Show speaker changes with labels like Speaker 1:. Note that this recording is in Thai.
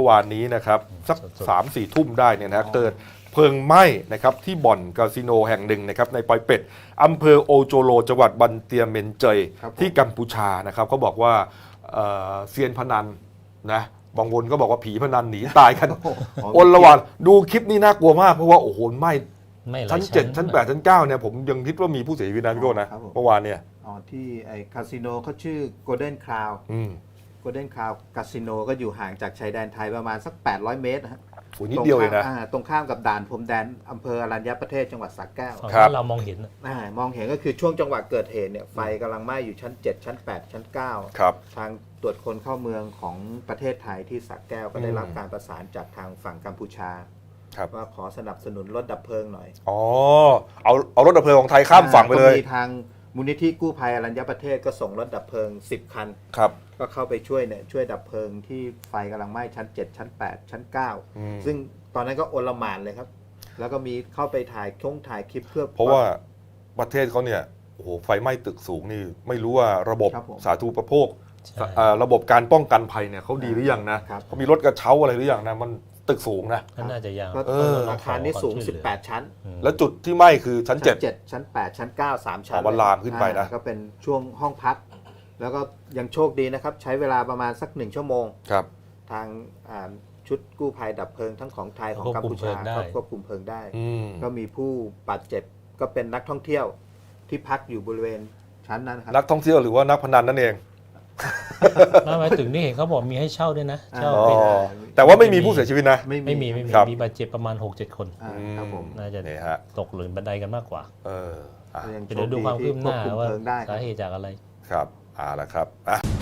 Speaker 1: มื่อวานนี้นะครับสัก3-4 ทุ่มได้เนี่ยนะเกิดเพลิงไหม้นะครับที่บ่อนคาสิโนแห่งหนึ่งนะครับในปอยเป็ดอำเภอโอโจโลจังหวัดบันเตียเมนเจยที่กัมพูชานะครับเขาบอกว่าเซียนพนันนะบางคนก็บอกว่าผีพนันหนีตายกันอลหว่านดูคลิปนี้น่ากลัวมากเพราะว่าโอ้โหไหม้ชั้น7ชั้น8ชั้น9เนี่ยผมยังคิดว่ามีผู้เสียชีวิตนะพี่โก้นะเมื่อวานเนี่ย
Speaker 2: ที่ไอ้คาสิโนเขาชื่อ Golden Crown Golden Crown คาสิโนก็อยู่ห่างจากชายแดนไทยประมาณสัก800 เมตรนะฮะ
Speaker 1: นิดเดียวเองนะ
Speaker 2: ตรงข้ามกับด่านพรมแดนอำเภออรัญญประเทศจังหวัดสระแก้ว
Speaker 3: เรามองเห็น
Speaker 2: มองเห็นก็คือช่วงจังหวะเกิดเหตุเนี่ยไฟกำลังไหม้อยู่ชั้น7ชั้น8ชั้น9
Speaker 1: ครับ
Speaker 2: ทางตรวจคนเข้าเมืองของประเทศไทยที่สระแก้วก็ได้รับการประสานจากทางฝั่งกัมพูชาว่าขอสนับสนุนรถดับเพลิงหน่อย
Speaker 1: เอารถดับเพลิงของไทยข้ามฝั่งไปเลย
Speaker 2: มีทางมูลนิธิกู้ภัยอรัญญประเทศก็ส่งรถดับเพลิง10 คันก็เข้าไปช่วยดับเพลิงที่ไฟกำลังไหม้ชั้น7ชั้น8ชั้น9ซึ่งตอนนั้นก็โอลหม่านเลยครับแล้วก็มีเข้าไปถ่ายคลิปเพื่อ
Speaker 1: เพราะว่าประเทศเขาเนี่ยโอ้โหไฟไหม้ตึกสูงนี่ไม่รู้ว่าระบบสาธารณูปโภคระบบการป้องกันภัยเนี่ยเขาดีหรือยังนะเขามีรถกระเช้าอะไรหรือยังนะมันตึกสูงนะ
Speaker 3: น่าจะยัง
Speaker 2: อาคารนี้สูง18 ชั้น
Speaker 1: แล้วจุดที่ไหม้คือชั้น
Speaker 2: 7ชั้น8ชั้น9 3 ชั้น
Speaker 1: มันลามขึ้นไปนะ
Speaker 2: ก็เป็นช่วงห้องพักแล้วก็ยังโชคดีนะครับใช้เวลาประมาณสัก1 ชั่วโมงทางชุดกู้ภัยดับเพลิงทั้งของไทยของกัมพูชาก็ควบคุมเพลิงได้ก็มีผู้บาดเจ็บก็เป็นนักท่องเที่ยวที่พักอยู่บริเวณชั้นนั้นครับ
Speaker 1: นักท่องเที่ยวหรือว่านักพนันนั่นเอง
Speaker 3: หมายถึงนี่เห็นเขาบอกมีให้เช่าด้วยนะเช่า
Speaker 1: แต่ว่าไม่มีผู้เสียชีวิตนะ
Speaker 3: ไม่มีมีบาดเจ็บประมาณ 6-7 คนน่าจะตกหล่นบันไดกันมากกว่าเดี๋ยวดูความคืบหน้าว่าสาเหตุจากอะไร
Speaker 1: ครับละครับ